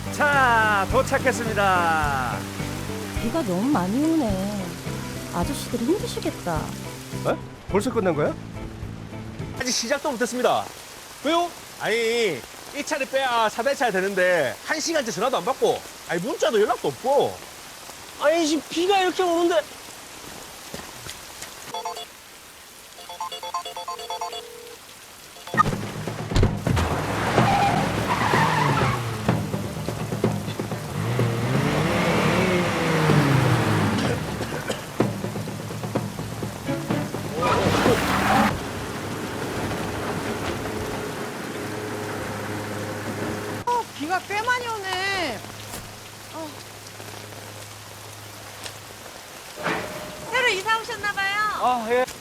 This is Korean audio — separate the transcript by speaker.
Speaker 1: 자, 도착했습니다.
Speaker 2: 비가 너무 많이 오네. 아저씨들이 힘드시겠다.
Speaker 1: 어? 벌써 끝난 거야?
Speaker 3: 아직 시작도 못했습니다. 왜요? 아니, 이 차를 빼야 4대차야 되는데 1시간째 전화도 안 받고 아니 문자도 연락도 없고 아니 지금 비가 이렇게 오는데
Speaker 4: 비가 꽤 많이 오네. 새로 이사 오셨나 봐요.
Speaker 3: 아 예.